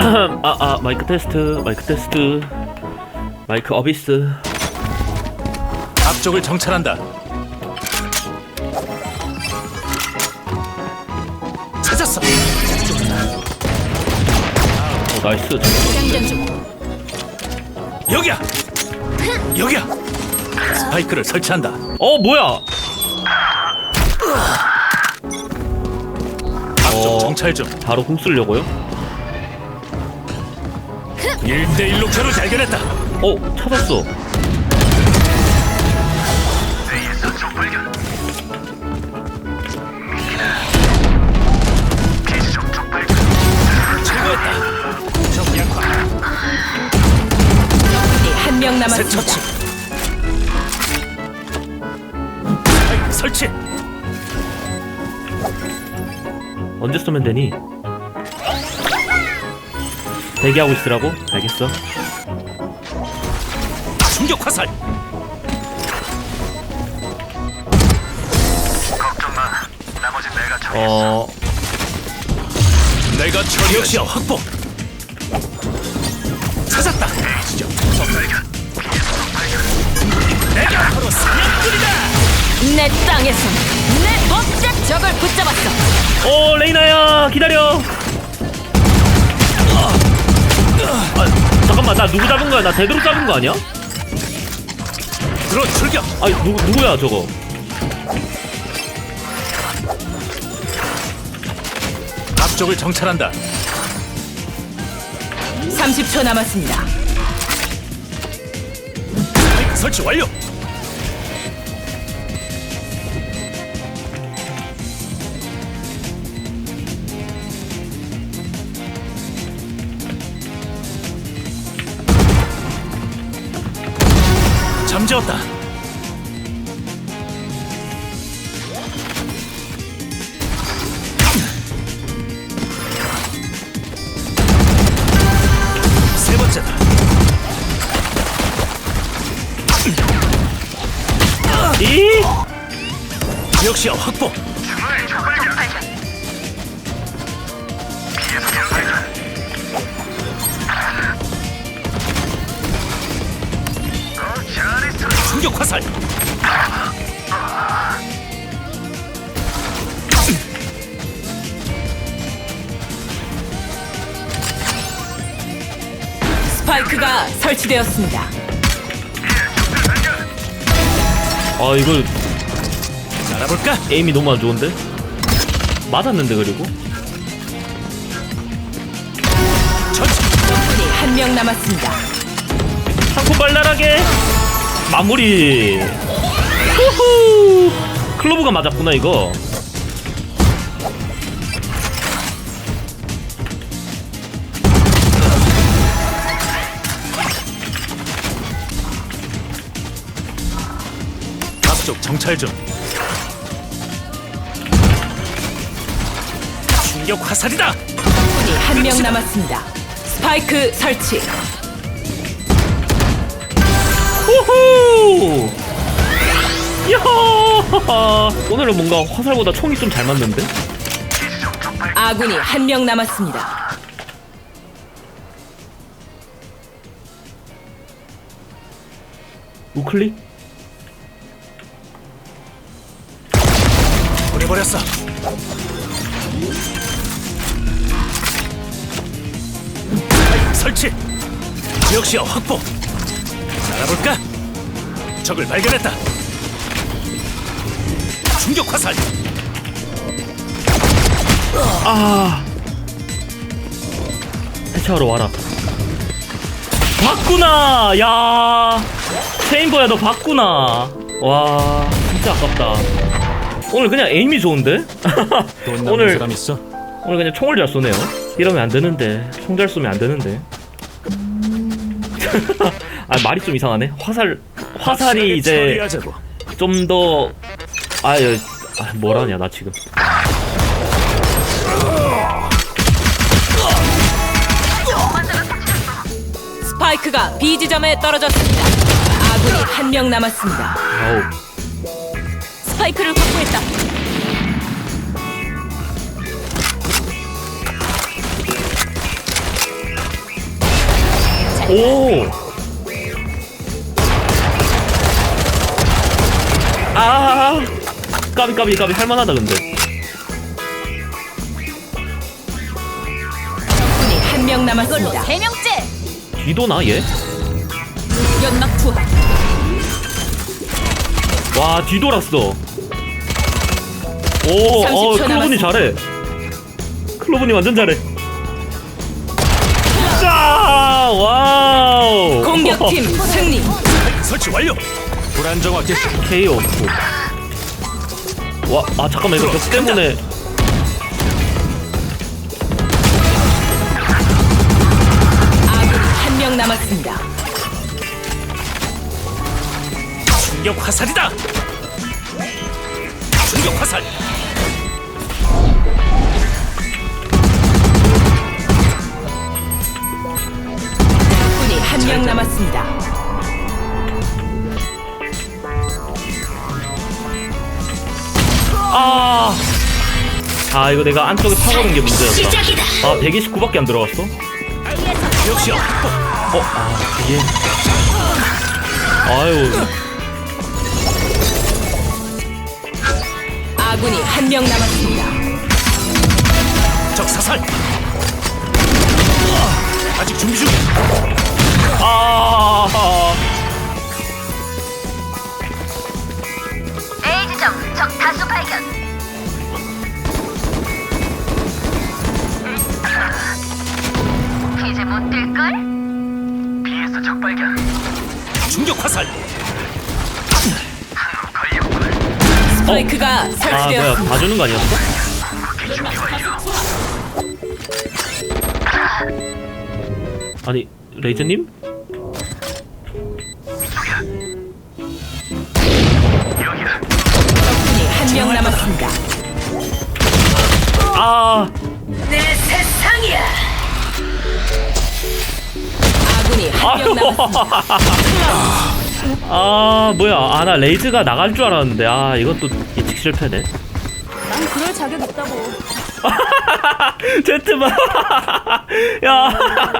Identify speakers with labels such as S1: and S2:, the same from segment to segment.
S1: 마이크 테스트, 마이크 어비스.
S2: 앞쪽을 정찰한다. 찾았어.
S1: 나이스.
S3: 장전 중.
S2: 여기야. 여기야. 스파이크를 설치한다.
S1: 뭐야?
S2: 앞쪽 정찰 중.
S1: 바로 공 쓰려고요?
S2: 1대1로 겨루 발견했다.
S1: 찾았어.
S2: 제거했다. 적 약화.
S3: 한 명
S2: 새
S3: 남았습니다.
S2: 처치. 스파이크 설치.
S1: 언제 쏘면 되니? 대기하고 있으라고? 알겠어.
S2: 충격 화살. 내가 처리. 역시야 확보. 찾았다. 내가 바로 사냥꾼이다.
S3: 내 땅에서 내 멋진 적을 붙잡았어.
S1: 레이나야, 기다려. 잠깐만, 나 누구 잡은 거야? 나 데드로 잡은 거 아니야?
S2: 들어 출격.
S1: 누구야 저거?
S2: 앞쪽을 정찰한다.
S3: 30초 남았습니다.
S2: 설치 완료. 잠재웠다. 세 번째다. 역시야 확보. 충격 화살.
S3: 스파이크가 설치되었습니다.
S1: 이거
S2: 알아볼까?
S1: 에임이 너무 안 좋은데? 맞았는데 그리고?
S2: 전체.
S3: 한 명 남았습니다.
S1: 상품 발랄하게 마무리. 후후. 클로브가 맞았구나 이거.
S2: 앞쪽 정찰 중. 충격 화살이다.
S3: 한 명 남았습니다. 스파이크 설치.
S1: 후후. 야호. 오늘은 뭔가 화살보다 총이 좀 잘 맞는데?
S3: 아군이 한 명 남았습니다.
S1: 우클릭?
S2: 보내버렸어. 설치. 지역시야 확보. 알아볼까? 적을 발견했다. 충격 화살.
S1: 해체하러 와라. 봤구나. 야, 체인버야 너 봤구나. 와, 진짜 아깝다. 오늘 그냥 에임이 좋은데? 오늘
S2: 사람 있어?
S1: 오늘 그냥 총을 잘 쏘네요. 이러면 안 되는데. 총 잘 쏘면 안 되는데. 말이 좀 이상하네. 화살이 이제
S2: 처리하자고.
S1: 좀 더 뭐라냐 나 지금.
S3: 스파이크가 B 지점에 떨어졌습니다. 아군이 한 명 남았습니다.
S1: 아우.
S3: 스파이크를 확보했다.
S1: 오. 아, 까비 할만하다 근데.
S3: 적군이 한 명 남았습니다.
S4: 세 명째.
S1: 뒤도나 얘?
S3: 연막 투하.
S1: 와 뒤돌았어. 오,
S3: 30초
S1: 클로브님
S3: 남았습니다.
S1: 잘해. 클로브님 완전 잘해. 자, 와우.
S3: 공격팀 승리.
S2: 설치 완료. 불안정화 개시.
S1: KO. 와, 아 잠깐만 이거 벽 때문에.
S3: 아군이 한 명 남았습니다.
S2: 충격 화살이다. 충격 화살.
S3: 적군이 한 명 남았습니다.
S1: 아 이거 내가 안쪽에 파고든 게 문제였다.
S4: 시작이다.
S1: 아 129밖에 안 들어갔어?
S2: 역시야 확보.
S1: 이게. 아유.
S3: 아군이 한 명 남았습니다.
S2: 적 사살. 아직 준비 중.
S1: 아.
S4: A 지점 적 다수 발견. 이제 못 뛸걸?
S2: B에서 적 발견. 충격 화살.
S3: 스파이크가
S1: 아 뭐야
S3: 설치되었습니다.
S1: 봐주는 거 아니었어? 아니 레이즈님?
S3: 적군이 한 명 남았습니다.
S1: 아.
S3: 내 세상이야. 아군이 한 명 남았습니다.
S1: 아 뭐야 아 나 레이즈가 나갈 줄 알았는데 아 이것도 예측 실패네.
S4: 난 그럴 자격 있다고.
S1: 제트만 야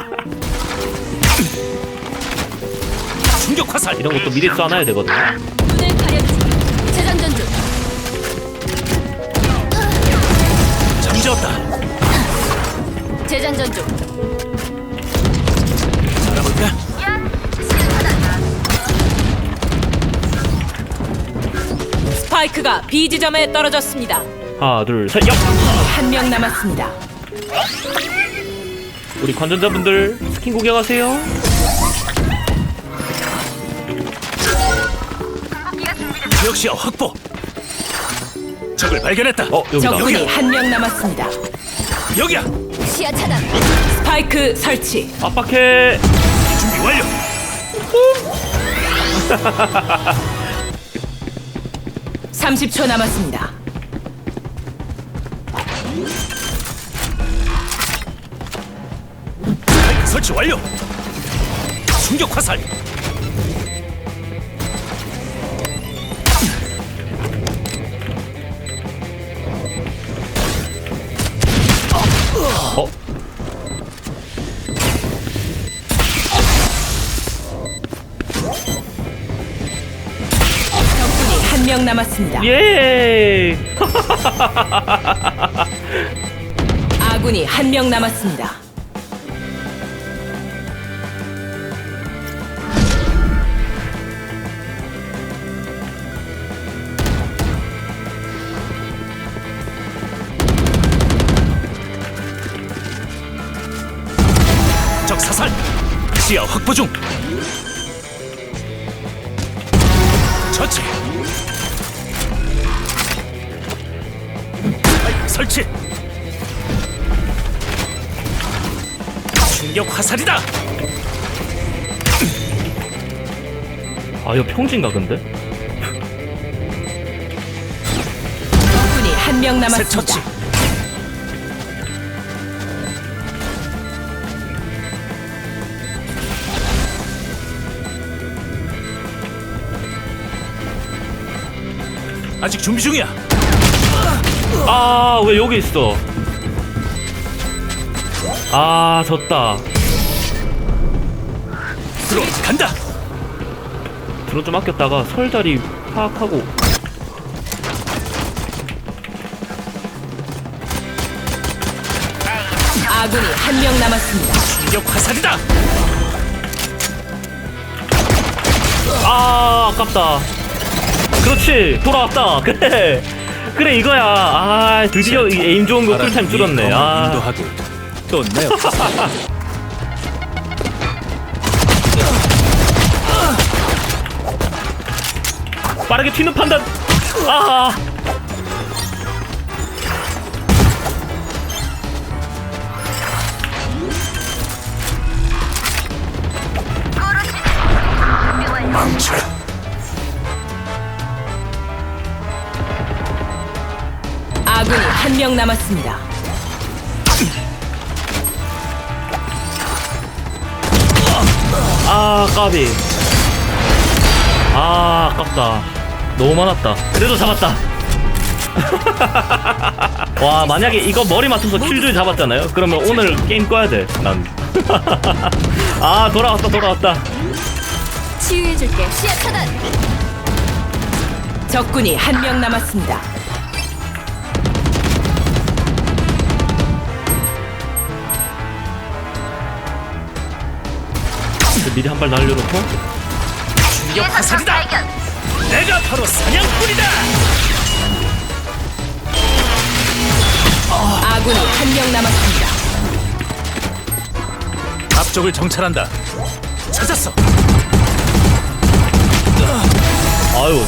S2: 충격 화살.
S1: 이런 것도 미리 쏴놔야 되거든.
S4: 눈을 가려주지. 재장전 중.
S2: 잠재웠다.
S4: 재장전 중.
S2: 알아볼까?
S3: 스파이크가 B 지점에 떨어졌습니다.
S1: 하나 둘 셋 야!
S3: 한 명 남았습니다.
S1: 우리 관전자분들 스킨 구경하세요.
S2: 역시야 확보. 적을 발견했다.
S1: 여기다.
S3: 적군이 한 명 남았습니다.
S2: 여기야.
S4: 시야 차단.
S3: 스파이크 설치.
S1: 압박해.
S2: 준비 완료.
S3: 30초 남았습니다.
S2: 설치 완료. 충격 화살.
S1: 어?
S3: 적군이 한 명 남았습니다.
S1: 예.
S3: 아군이 한 명 남았습니다.
S2: 적 사살. 시야 확보 중. 처치. 설치. 충격 화살이다.
S1: 아 이거 평진가 근데?
S3: 적군이 한 명
S2: 새 처치.
S3: 남았습니다.
S2: 아직 준비 중이야.
S1: 아 왜 여기 있어? 아 졌다.
S2: 들어 간다.
S1: 드론 좀 아꼈다가 설 자리 파악하고.
S3: 아군이 한 명 남았습니다.
S2: 충격 화살이다.
S1: 아, 아깝다. 그렇지, 돌아왔다. 그래, 그래 이거야. 아, 드디어 이 에임 좋은 거 쿨타임 줄었네. 아,
S2: 인도하고 또 내어.
S1: 빠르게 튀는 판단. 아,
S2: 망쳐라.
S3: 아군이 한 명 남았습니다.
S1: 아, 까비. 아, 아깝다. 너무 많았다. 그래도 잡았다. 와, 만약에 이거 머리 맞춰서 킬줄 잡았잖아요? 그러면 오늘 게임 꺼야 돼, 난. 아, 돌아왔다.
S4: 치유해줄게. 시야 차단.
S3: 적군이 한 명 남았습니다.
S1: 미리 한 발 날려놓고.
S2: 충격 화살이다. 내가 바로 사냥꾼이다.
S3: 아군이 한 명 남았습니다.
S2: 앞쪽을 정찰한다. 찾았어.
S1: 아유.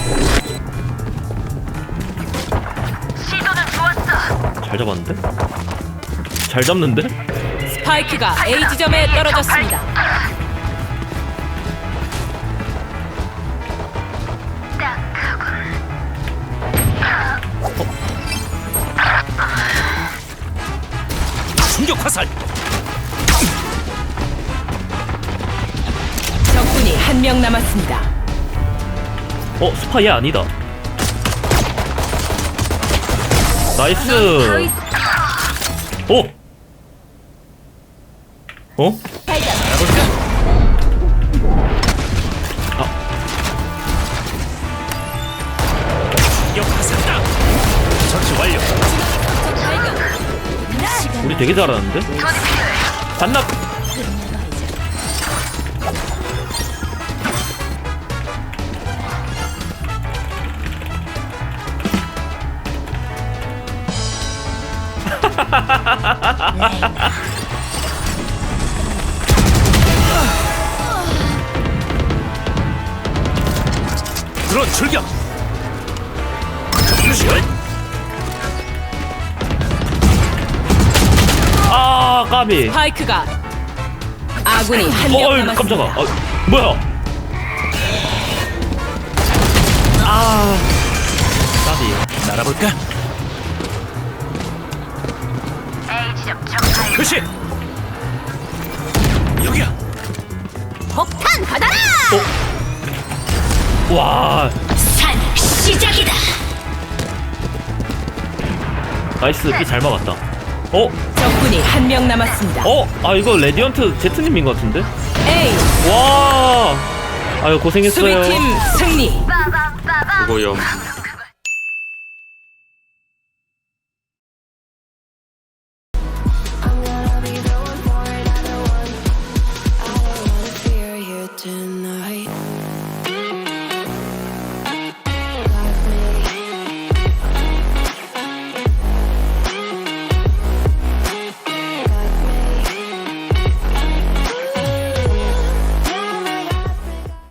S1: 잘 잡았는데? 잘 잡는데?
S3: 스파이크가 A 지점에 떨어졌습니다.
S2: 충격 화살.
S3: 적군이 한 명 남았습니다.
S1: 스파이 아니다. 나이스. 오! 어?
S2: 알아볼까? 충격 화살이다. 처치 완료.
S1: 우리 되게 잘하는데? 반납!
S2: 드론 출격. 슛.
S1: 아, 까비.
S3: 스파이크가 아군이 한 명
S1: 어이,
S3: 남았습니다.
S1: 깜짝아. 뭐야? 아, 까비.
S2: 날아볼까? 표시. 여기야.
S4: 폭탄 받아라.
S1: 와,
S4: 산 시작이다.
S1: 나이스. 피 잘 막았다.
S3: 적군이 한 명 남았습니다.
S1: 아, 이거 레디언트 제트님인 것 같은데?
S3: A
S1: 와, 아유, 고생했어요.
S3: 수비팀 승리.
S5: 수고염.